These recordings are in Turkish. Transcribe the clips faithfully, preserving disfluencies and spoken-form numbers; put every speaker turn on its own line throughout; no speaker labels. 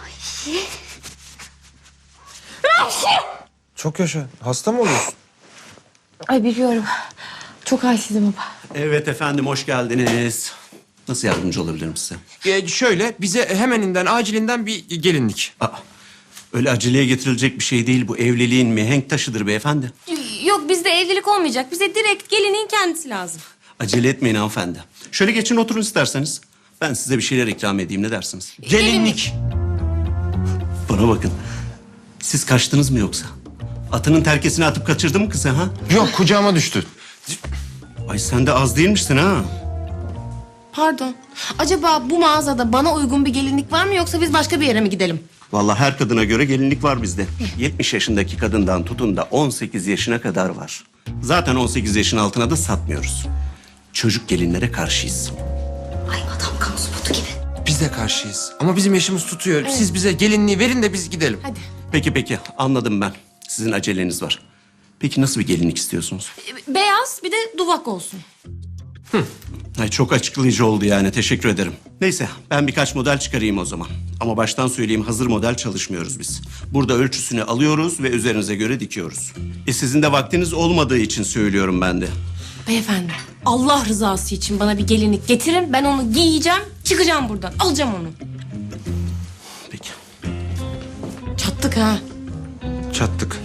Çok yaşa. Hasta mı oluyorsun?
Ay biliyorum. Çok halsizim baba.
Evet efendim, hoş geldiniz. Nasıl yardımcı olabilirim size?
Ee, şöyle bize hemeninden acilinden bir gelinlik.
Aa, öyle aceleye getirilecek bir şey değil bu. Evliliğin mihenk taşıdır beyefendi.
Yok bizde evlilik olmayacak. Bize direkt gelinin kendisi lazım.
Acele etmeyin hanımefendi. Şöyle geçin oturun isterseniz. Ben size bir şeyler ikram edeyim, ne dersiniz?
Gelinlik.
Bana bakın. Siz kaçtınız mı yoksa? Atının terkesini atıp kaçırdı mı kızı ha?
Yok, kucağıma düştü.
Ay sen de az değilmişsin ha.
Pardon. Acaba bu mağazada bana uygun bir gelinlik var mı yoksa biz başka bir yere mi gidelim?
Vallahi her kadına göre gelinlik var bizde. yetmiş yaşındaki kadından tutun da on sekiz yaşına kadar var. Zaten on sekiz yaşın altına da satmıyoruz. Çocuk gelinlere karşıyız.
Ay adam kamu spotu gibi.
Biz de karşıyız. Ama bizim yaşımız tutuyor. Siz bize gelinliği verin de biz gidelim.
Hadi.
Peki peki, anladım ben. Sizin aceleniz var. Peki nasıl bir gelinlik istiyorsunuz?
Beyaz bir de duvak olsun.
Ay çok açıklayıcı oldu yani, teşekkür ederim. Neyse ben birkaç model çıkarayım o zaman. Ama baştan söyleyeyim, hazır model çalışmıyoruz biz. Burada ölçüsünü alıyoruz ve üzerinize göre dikiyoruz. E sizin de vaktiniz olmadığı için söylüyorum ben de.
Beyefendi Allah rızası için bana bir gelinlik getirin. Ben onu giyeceğim, çıkacağım buradan. Alacağım onu.
Peki.
Çattık ha.
Çattık.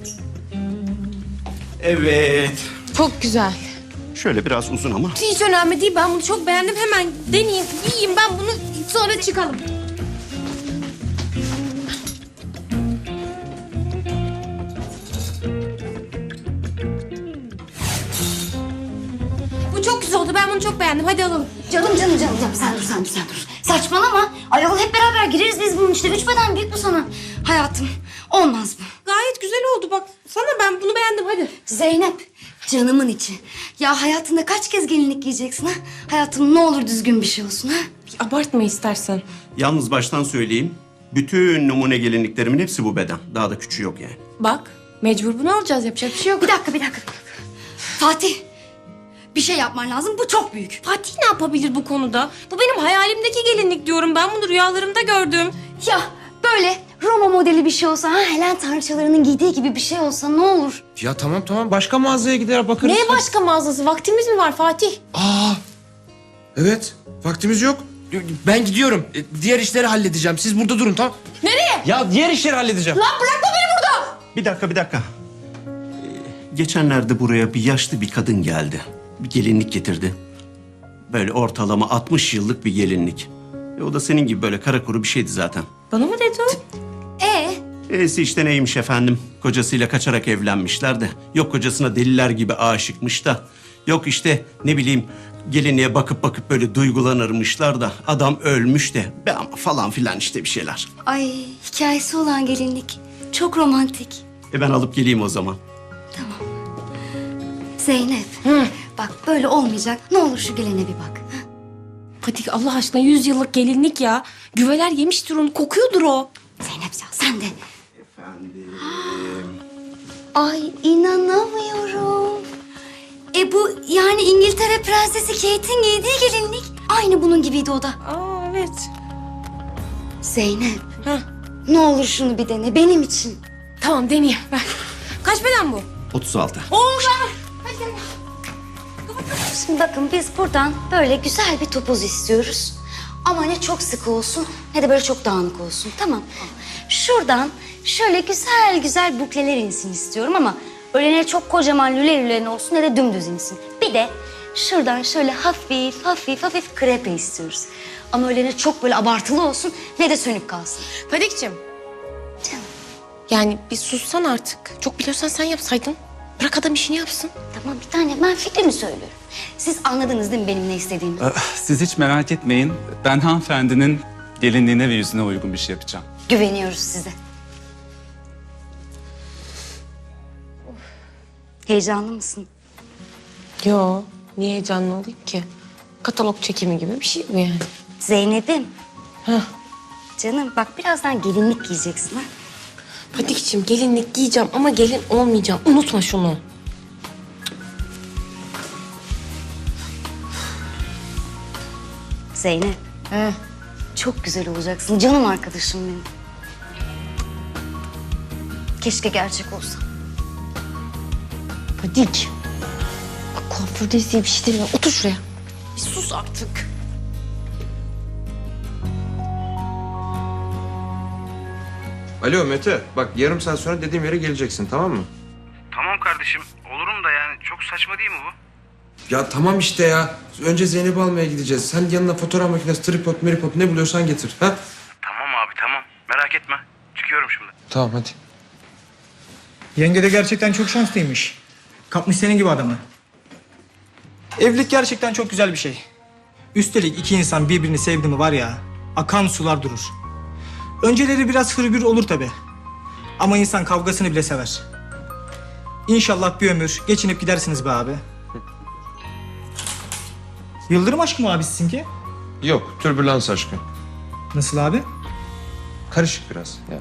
Evet.
Çok güzel.
Şöyle biraz uzun ama.
Hiç önemli değil. Ben bunu çok beğendim. Hemen deneyeyim, giyeyim ben bunu. Sonra çıkalım. Bu çok güzel oldu. Ben bunu çok beğendim. Hadi alalım.
Canım canım canım canım sen dur sen dur sen dur. Saçmalama. Ayol hep beraber gireriz biz bunun işte. Üç beden büyük bu sana. Hayatım olmaz bu.
Gayet güzel oldu. Bak sana ben bunu beğendim. Hadi.
Zeynep canımın içi. Ya hayatında kaç kez gelinlik giyeceksin ha? Hayatım ne olur düzgün bir şey olsun ha?
Abartma istersen.
Yalnız baştan söyleyeyim. Bütün numune gelinliklerimin hepsi bu beden. Daha da küçüğü yok yani.
Bak mecbur bunu alacağız. Yapacak bir şey yok.
Bir dakika bir dakika. bir dakika. Fatih bir şey yapman lazım. Bu çok büyük.
Fatih ne yapabilir bu konuda? Bu benim hayalimdeki gelinlik diyorum. Ben bunu rüyalarımda gördüm.
Ya böyle Roma modeli bir şey olsa ha Helen tanrıçalarının giydiği gibi bir şey olsa ne olur?
Ya tamam tamam, başka mağazaya gider bakarız.
Neye başka mağazası? Vaktimiz mi var Fatih?
Aa, evet. Vaktimiz yok. Ben gidiyorum. E, Diğer işleri halledeceğim. Siz burada durun, tamam?
Nereye?
Ya diğer işleri halledeceğim.
Lan bırakma beni burada.
Bir dakika, bir dakika. Ee, geçenlerde buraya bir yaşlı bir kadın geldi. Bir gelinlik getirdi. Böyle ortalama altmış yıllık bir gelinlik. E, o da senin gibi böyle kara kuru bir şeydi zaten.
Bana mı dedi o?
Ee
E'si işte neymiş efendim? Kocasıyla kaçarak evlenmişler de. Yok kocasına deliler gibi aşıkmış da. Yok işte ne bileyim gelinliğe bakıp bakıp böyle duygulanırmışlar da. Adam ölmüş de. Be ama falan filan işte bir şeyler.
ay hikayesi olan gelinlik. Çok romantik.
E ben alıp geleyim o zaman.
Zeynep. Bak böyle olmayacak. Ne olur şu gelene bir bak. ha?
Fatih Allah aşkına yüz yıllık gelinlik ya. Güveler yemiştir onu. Kokuyordur o.
Zeynep ya sen de. Ay inanamıyorum. E bu yani İngiltere Prensesi Kate'in giydiği gelinlik. Aynı bunun gibiydi o da.
Aa evet.
Zeynep
Heh.
ne olur şunu bir dene benim için.
Tamam deneyeyim. Ver. Kaç beden bu?
otuz altı.
Oo ver. Hadi gel.
Şimdi bakın biz buradan böyle güzel bir topuz istiyoruz. Ama ne çok sıkı olsun ne de böyle çok dağınık olsun, tamam. Şuradan şöyle güzel güzel bukleler insin istiyorum ama öyle ne çok kocaman lüle lülen olsun ne de dümdüz insin. Bir de şuradan şöyle hafif hafif hafif krepe istiyoruz. Ama öyle ne çok böyle abartılı olsun ne de sönük kalsın.
Fatih'cim.
Canım
Yani bir sussan artık. Çok biliyorsan sen yapsaydın. Bırak adam işini yapsın.
tamam bir tane ben fikrimi söylüyorum. Siz anladınız değil mi benim ne istediğimi?
Siz hiç merak etmeyin. Ben hanımefendinin gelinliğine ve yüzüne uygun bir şey yapacağım.
Güveniyoruz size. Heyecanlı mısın?
Yo. Niye heyecanlı olayım ki? Katalog çekimi gibi bir şey bu yani.
Zeynep'im.
Heh.
Canım bak birazdan gelinlik giyeceksin ha.
Fatih'ciğim gelinlik giyeceğim ama gelin olmayacağım. Unutma şunu.
Zeynep.
He.
çok güzel olacaksın. Canım arkadaşım benim. Keşke gerçek olsa.
Fadik. Bak kuafördeyiz diye bir şey demiyor. Otur şuraya. Bir sus artık.
Alo Mete, bak yarım saat sonra dediğim yere geleceksin, tamam mı?
Tamam kardeşim. Olurum da yani çok saçma değil mi bu?
Ya tamam işte ya. Önce Zeynep'i almaya gideceğiz. Sen yanına fotoğraf makinesi, tripod, meripod ne buluyorsan getir. Ha?
Tamam abi tamam. Merak etme. Çıkıyorum şimdi.
Tamam hadi.
Yenge de gerçekten çok şanslıymış. Kapmış senin gibi adamı. Evlilik gerçekten çok güzel bir şey. Üstelik iki insan birbirini sevdi mi var ya, akan sular durur. Önceleri biraz hırgür olur tabi. Ama insan kavgasını bile sever. İnşallah bir ömür geçinip gidersiniz be abi. Yıldırım aşkı mı abi sizinki?
Yok, türbülans aşkı.
Nasıl abi?
Karışık biraz ya.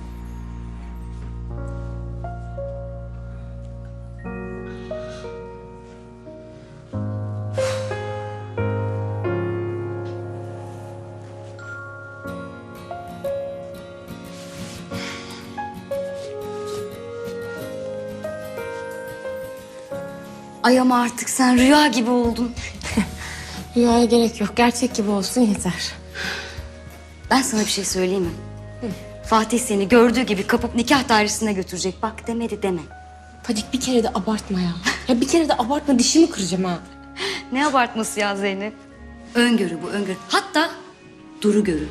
Ay ama artık sen rüya gibi oldun.
Rüyaya gerek yok. Gerçek gibi olsun yeter.
Ben sana bir şey söyleyeyim mi? Fatih seni gördüğü gibi kapıp nikah dairesine götürecek. Bak demedi deme.
Fadik bir kere de abartma ya. Ya bir kere de abartma, dişimi kıracağım ha.
Ne abartması ya Zeynep? Öngörü bu öngörü. Hatta duru görü.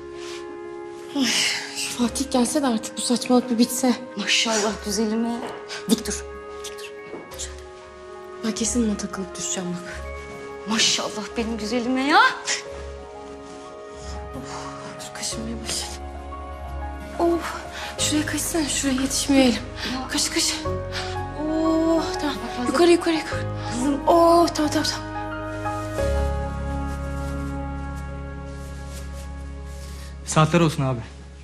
Şu Fatih gelse de artık bu saçmalık bir bitse.
Maşallah güzelime. Dik dur. Dik dur.
Ben kesin buna takılıp düşeceğim bak.
Maşallah benim güzelime ya.
Dur kaşınmaya başladım. Of. Şuraya kaçsana. Şuraya yetişmiyor elim. Kaç kaç. Oh tamam. Yukarı yukarı yukarı.
Kızım.
Oh tamam tamam tamam.
Saatler olsun abi.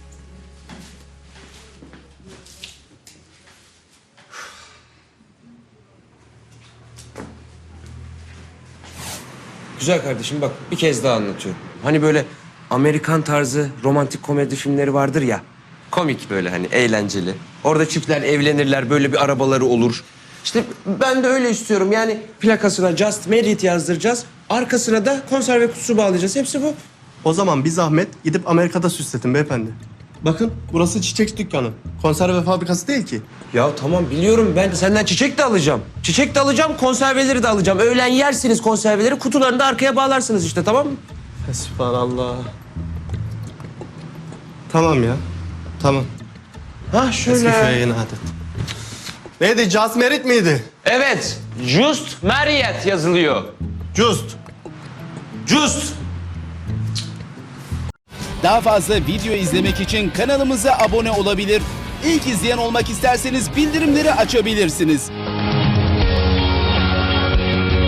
Güzel kardeşim bak bir kez daha anlatıyorum. Hani böyle Amerikan tarzı romantik komedi filmleri vardır ya. Komik böyle hani eğlenceli. Orada çiftler evlenirler, böyle bir arabaları olur. İşte ben de öyle istiyorum. Yani plakasına Just Married yazdıracağız. Arkasına da konserve kutusu bağlayacağız. Hepsi bu.
O zaman bir zahmet gidip Amerika'da süsletin beyefendi. Bakın burası çiçek dükkanı. Konserve fabrikası değil ki.
Ya tamam biliyorum, ben senden çiçek de alacağım. Çiçek de alacağım, konserveleri de alacağım. Öğlen yersiniz konserveleri, kutularını da arkaya bağlarsınız işte, tamam mı?
Sübhanallah. Tamam ya. Tamam.
Ha
Eski
şöyle.
köye yeni adet. Neydi? Just Merit miydi?
Evet, Just Married yazılıyor.
Just.
Just.
Daha fazla video izlemek için kanalımıza abone olabilir. İlk izleyen olmak isterseniz bildirimleri açabilirsiniz.